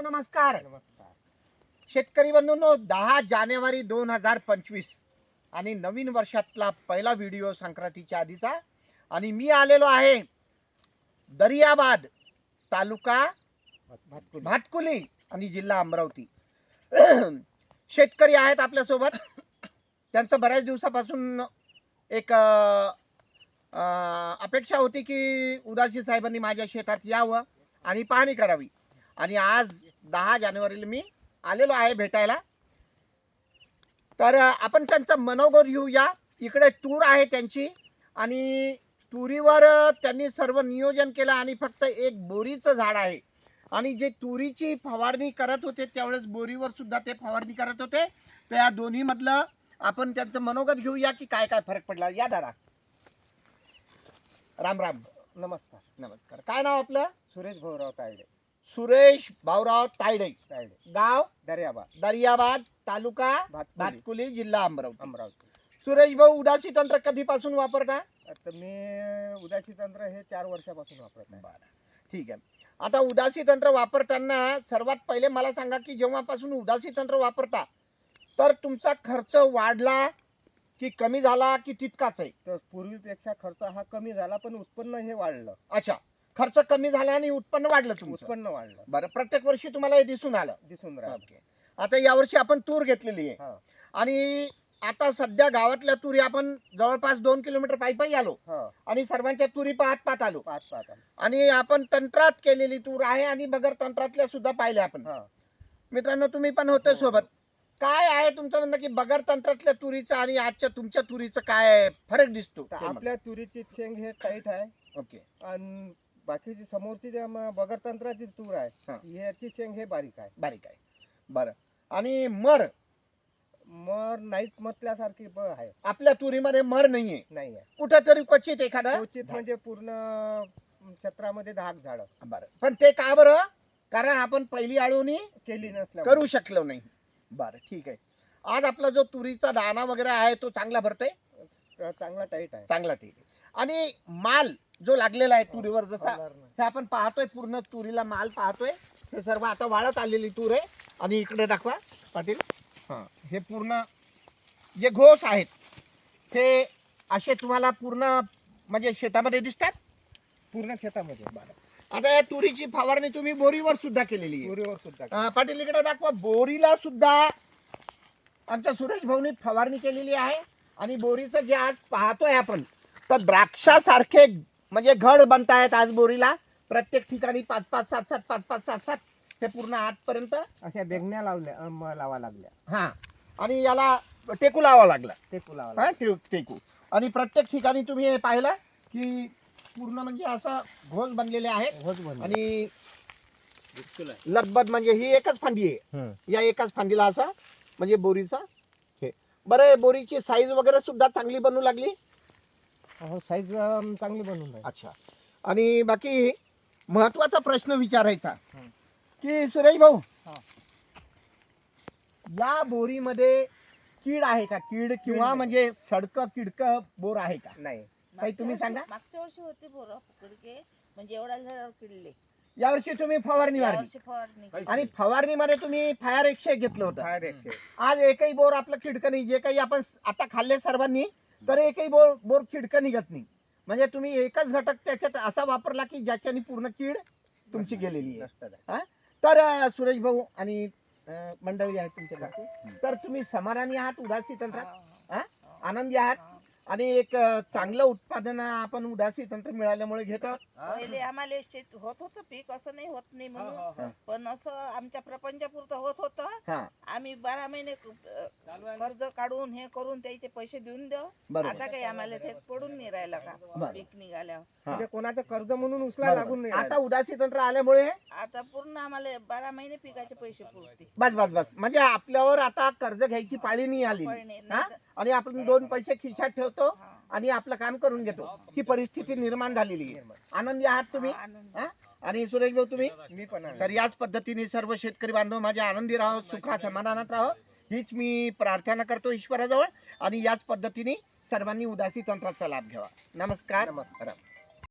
नमस्कार. नमस्कार. शेतकरी बंधूंनो, 10 जानेवारी 2025 आणि नवीन वर्षातला पहिला व्हिडिओ संक्रांतीच्या आधीचा. आणि मी आलेलो आहे दरियाबाद, तालुका भातकुली आणि जिल्हा अमरावती. शेतकरी आहेत आपल्यासोबत. त्यांचं बऱ्याच दिवसापासून एक अपेक्षा होती की उदासी साहेबांनी माझ्या शेतात यावं आणि पाहणी करावी. आणि आज 10 जानेवारीला मी आलेलो आहे भेटायला. तर आपण त्यांचं मनोगत घेऊया. इकडे तूर आहे त्यांची आणि तुरीवर त्यांनी सर्व नियोजन केलं आणि फक्त एक बोरीचं झाड आहे. आणि जे तुरीची फवारणी करत होते त्यावेळेस बोरीवर सुद्धा ते फवारणी करत होते. त्या दोन्ही मधलं आपण त्यांचं मनोगत घेऊया की काय काय फरक पडला. या दादा. राम राम. नमस्कार. नमस्कार. काय नाव आपलं? सुरेश भाऊराव तायडे. सुरेश भाऊराव तायडे. गाव दर्याबाद, तालुका भातकुली, जिल्हा अमरावती. सुरेश भाऊ, उदासी तंत्र कधीपासून वापरता? आता मी उदासी तंत्र हे 4 वर्षापासून वापरत आहे. ठीक आहे. आता उदासी तंत्र वापरताना सर्वात पहिले मला सांगा की जेव्हापासून उदासी तंत्र वापरता तर तुमचा खर्च वाढला की कमी झाला की तितकाच आहे? तर पूर्वीपेक्षा खर्च हा कमी झाला, पण उत्पन्न हे वाढलं. अच्छा, खर्च कमी झाला आणि उत्पन्न वाढलं तुमचं? उत्पन्न वाढलं. बरं, प्रत्येक वर्षी तुम्हाला हे दिसून राहिलं. आता यावर्षी आपण तूर घेतलेली आहे आणि आता सध्या गावातल्या तुरी आपण जवळपास 2 किलोमीटर पायी आलो आणि सर्वांच्या तुरी पाहत आलो. आणि आपण तंत्रात केलेली तूर आहे आणि बगर तंत्रातल्या सुद्धा पाहिल्या आपण. मित्रांनो, तुम्ही पण होते सोबत. काय आहे तुमचं म्हणणं की बगर तंत्रातल्या तुरीचं आणि आजच्या तुमच्या तुरीचं काय फरक दिसतो? आपल्या तुरीची शेंग हे टाईट आहे. ओके. आणि बाकीची समोरची जे बगर तंत्राची तूर आहे याची शेंग हे बारीक आहे. बरं. आणि मर नाहीच म्हटल्यासारखी आहे. आपल्या तुरीमध्ये मर नाहीये. आहे. कुठेतरी क्वचित एखादा म्हणजे पूर्ण क्षेत्रामध्ये 10 झाडं. बरं, पण ते का बरं? कारण आपण पहिली आळवणी केली नसल्या करू शकलो नाही. बरं, ठीक आहे. आज आपला जो तुरीचा दाणा वगैरे आहे तो चांगला भरतोय? चांगला टाईट आहे. चांगला, ठीक आहे. आणि माल जो लागलेला आहे तुरीवर, जसा ते आपण पाहतोय, पूर्ण तुरीला माल पाहतोय. हे सर्व आता वाळत आलेली तूर आहे. आणि इकडे दाखवा पाटील. हे पूर्ण जे घोस आहेत ते असे तुम्हाला पूर्ण म्हणजे शेतामध्ये दिसतात? पूर्ण शेतामध्ये. आता या तुरीची फवारणी तुम्ही बोरीवर सुद्धा केलेली आहे? बोरीवर सुद्धा. पाटील इकडे दाखवा. बोरीला सुद्धा आमच्या सुरेश भाऊनी फवारणी केलेली आहे. आणि बोरीचं जे आज पाहतोय आपण, तर द्राक्षासारखे म्हणजे घड बनतायत आज बोरीला. प्रत्येक ठिकाणी 5-5, 7-7, 5-5, 7-7 हे पूर्ण आजपर्यंत अशा बेगण्या लावा लागल्या. आणि याला टेकू लावा लागला. टेकू. आणि प्रत्येक ठिकाणी तुम्ही हे पाहिलं की पूर्ण म्हणजे असं घोस बनलेले आहेत. आणि लगबग म्हणजे ही एकच फांदी आहे. या एकाच फांदीला असं म्हणजे बोरीचा हे. बरं, बोरीची साईज वगैरे सुद्धा चांगली बनू लागली? साईज चांगली बनवून. अच्छा. आणि बाकी महत्वाचा प्रश्न विचारायचा की सुरेश भाऊ, या बोरीमध्ये कीड आहे का? कीड किंवा म्हणजे सडकं किडकं बोर आहे का? नाही. काही तुम्ही सांगा. मागच्या वर्षी होते बोर किडके, म्हणजे एवढ्या झाडावर किडले. यावर्षी तुम्ही फवारणी मारली आणि फवारणीमध्ये तुम्ही फायर 101 घेतलं होतं. आज एकही बोर आपलं खिडकं नाही. जे काही आपण आता खाल्ले सर्वांनी, तर एकही बोर खिडकं निघत नाही. म्हणजे तुम्ही एकच घटक त्याच्यात असा वापरला की ज्याच्याने पूर्ण कीड तुमची गेलेली आहे. तर सुरेश भाऊ आणि मंडळी आहेत तुमच्या, तर तुम्ही समाधानी आहात उदासी तंत्रात? आनंदी आहात? आणि एक चांगलं उत्पादन आपण उदासी तंत्र मिळाल्यामुळे घेतो. पहिले आम्हाला शेत होत होतं पीक, असं नाही होत नाही म्हणून, पण असं आमच्या प्रपंचापुरतं होत होतं. आम्ही 12 महिने कर्ज काढून हे करून त्याचे पैसे देऊन देऊ. आता काही आम्हाला ते पडून नाही राहिला का पीक निघाल्यावर. म्हणजे कोणाचं कर्ज म्हणून उचला लागून नाही. आता उदासी तंत्र आल्यामुळे आता पूर्ण आम्हाला 12 महिने पिकाचे पैसे पुरते. बस म्हणजे आपल्यावर आता कर्ज घ्यायची पाळी नाही आली. आणि आपण 2 पैसे खिशात ठेवतो आणि आपलं काम करून घेतो. ही परिस्थिती निर्माण झालेली आहे. आनंदी आहात तुम्ही? आणि सुरेश भाऊ तुम्ही? मी पण. तर याच पद्धतीने सर्व शेतकरी बांधव माझे आनंदी राहो, सुखा समाधानात राहो, हीच मी प्रार्थना करतो ईश्वराजवळ. आणि याच पद्धतीने सर्वांनी उदासी तंत्राचा लाभ घ्यावा. नमस्कार.